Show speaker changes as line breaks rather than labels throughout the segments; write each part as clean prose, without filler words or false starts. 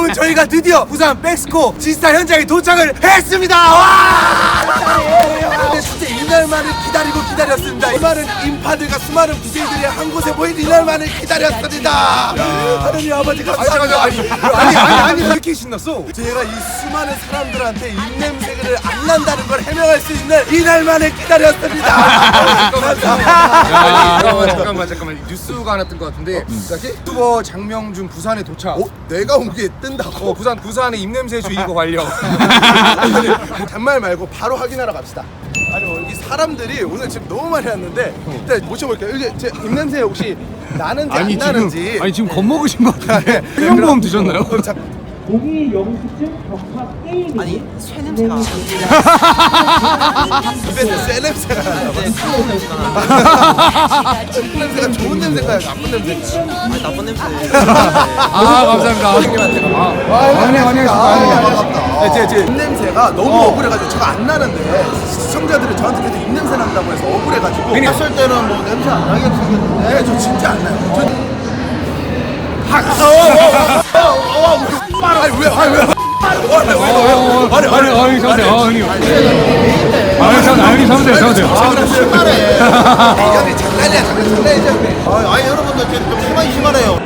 여러분, 저희가 드디어 부산 백스코 지스타 현장에 도착을 했습니다. 와! 근데 진짜 이날만을 기다렸습니다. 수많은 인파들과 수많은 BJ들이 한 곳에 모인 이날만을 기다렸습니다. 하느님 아버지 감사합니다. 아니 왜 이렇게 신났어? 제가 이 수많은 사람들한테 입냄새를 안 난다는 걸 해명할 수 있는 이날만을 기다렸습니다.
잠깐만 뉴스가 하나 뜬 것 같은데 유튜버 장명준 부산에 도착.
내가 온 게 뜬다고?
부산의 입냄새 주의고 관련.
단말 말고 바로 확인하러 갑시다. 아니 여기 사람들이 오늘 지금 너무 많이 왔는데 일단 모셔볼게요. 여기 제 입냄새 혹시 나는지 안 나는지.
지금 겁먹으신 것 같은데. 해명보험 드셨나요?
고기 영수증 격파 게임.
아니 쇠 냄새가
입에서 새 냄새가 나요. 냄새가 좋은 냄새인가요? 나쁜 냄새인가요?
아니 나쁜 냄새.
감사합니다.
제 입냄새가 너무 억울해가지고 제가 안 나는데 시청자들이 저한테 계속 입냄새 난다고 해서 억울해가지고 했을 때는 뭐 냄새 안 나게 생겼는데 네, 저 진짜 안 나요. 아니 왜? 아니 여러분들 좀 심하네요.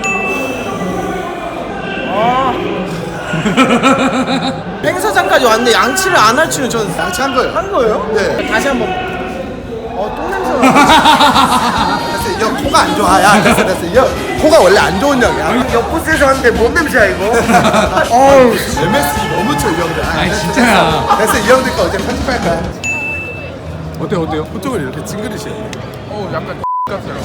행사장까지 왔는데 양치를 안 할 줄은 저는
양치한 거예요.
한 거예요?
네.
다시 한번. 똥 냄새가.
됐어, 이 형 코가 안 좋아. 야, 됐어. 이 형 코가 원래 안 좋은 형이야. 옆부스에서 하는데 뭔 냄새야 이거? 어우, MSG 너무 쳐, 이 형들.
진짜야.
됐어, 이 형들 거 어제 편집할까?
어때요?
보통은 이렇게 찡그리시네.
약간 같아요.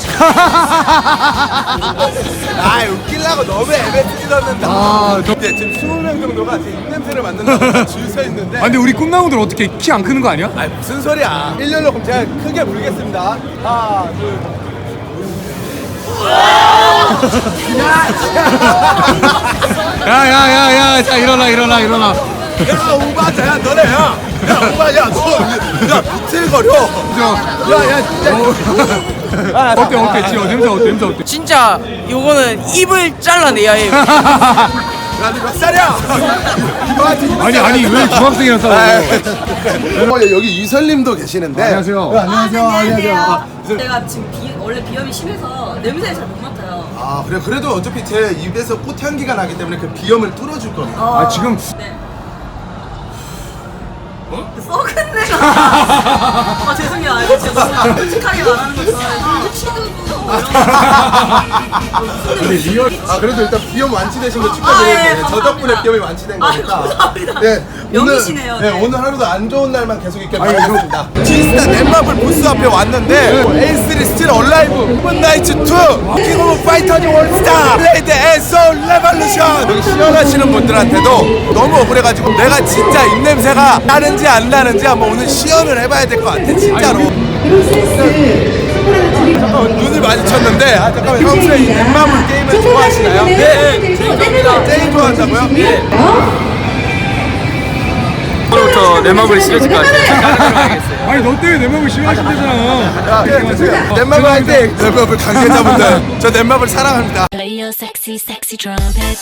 아, 웃기려고 너무 MSG 넣는다. 근데 지금 20명 정도가 제 입냄새를 맡는다고 줄 서 있는데.
근데 우리 꿈나무들 어떻게 키 안 크는 거 아니야?
아, 무슨 소리야. 일렬로 그럼 제가 크게 물겠습니다. 하나, 둘.
야야야야, 자 일어나.
야, 오바자, 야, 너네, 야, 오바야, 야, 비틀거려.
어때? 지금 냄새 어때?
진짜 요거는 입을 잘라내야 해요.
야, 너 몇 살이야?
아니 왜 중학생이랑 싸워?
여기 이설님도 계시는데.
안녕하세요.
안녕하세요. 제가 지금 원래 비염이 심해서 냄새를 잘 못 맡아요.
아, 그래, 그래도 어차피 제 입에서 꽃향기가 나기 때문에 그 비염을 뚫어줄 겁니다.
지금
네. 썩은 내가. 죄송해요. 제가 너무 솔직하게 말하는 거 좋아해서 취두부.
아, 그래도 일단 비염 완치되신 거
예,
축하드립니다. 저
감사합니다.
덕분에 비염이 완치된 거니까.
감사합니다.
네,
명이시네요.
오늘, 오늘 하루도 안 좋은 날만 계속 있길 바라겠습니다. 지스타 넷마블 부스 앞에 왔는데 A3 스틸 얼라이브 오븐나이츠 2 킹 오브 파이터즈 월스타 블레이드 앤소 레볼루션. 여기 시연하시는 분들한테도 너무 억울해가지고 내가 진짜 입냄새가 나는지 안 나는지 한번 오늘 시연을 해봐야 될 것 같아, 진짜로. 잠깐 눈을 마주쳤는데, 아, 잠깐만, 평소에 이 넷마블 게임을 좋아하시나요? 네, 재밌습니다. 제일 좋아한다고요? 네.
오늘부터 내 마블이 싫어질 것 같아요.
아니 너 때문에 내 몸을 심하신대잖아.
넷마블 화이팅! 넷마블 관계자분들, 저 넷마블 사랑합니다.
Play your sexy, sexy trumpet.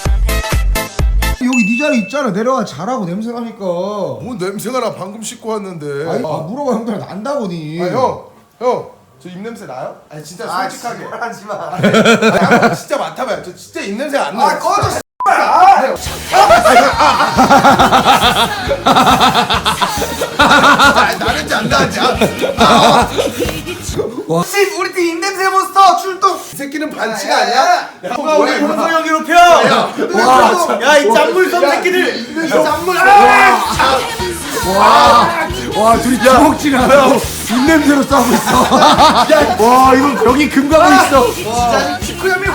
여기 네 자리 있잖아. 내려와 자라고 냄새 나니까.
뭔 냄새가 나. 방금 씻고 왔는데.
아니, 물어봐 형들 난다고니.
형, 저 입냄새 나요? 아니 진짜 솔직하게.
하지 마.
아니, 진짜 맡아봐요. 저 진짜 입냄새 안 나요.
꺼져.
나는지 안 나는지.
우리 팀 입냄새 몬스터 출동.
이 새끼는 반치가 아니야?
누가 우리 훈성형 괴롭혀?
야, 이 짠물섬 새끼들. 짠물.
와 둘이 주먹질하고 입냄새로 싸우고 있어. 와 이거 여기 금가고 있어.
진짜 치쿠야미.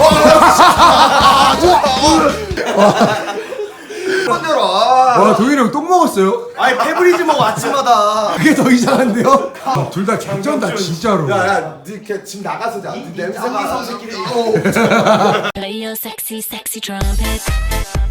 와 도현이 형 똥 먹었어요?
아니 페브리즈 먹어 아침마다.
그게 더 이상한데요? 둘 다 개쩐다 진짜로.
야, 니걔 지금 나가서 자. 냄새가.
Play your sexy, sexy trumpet.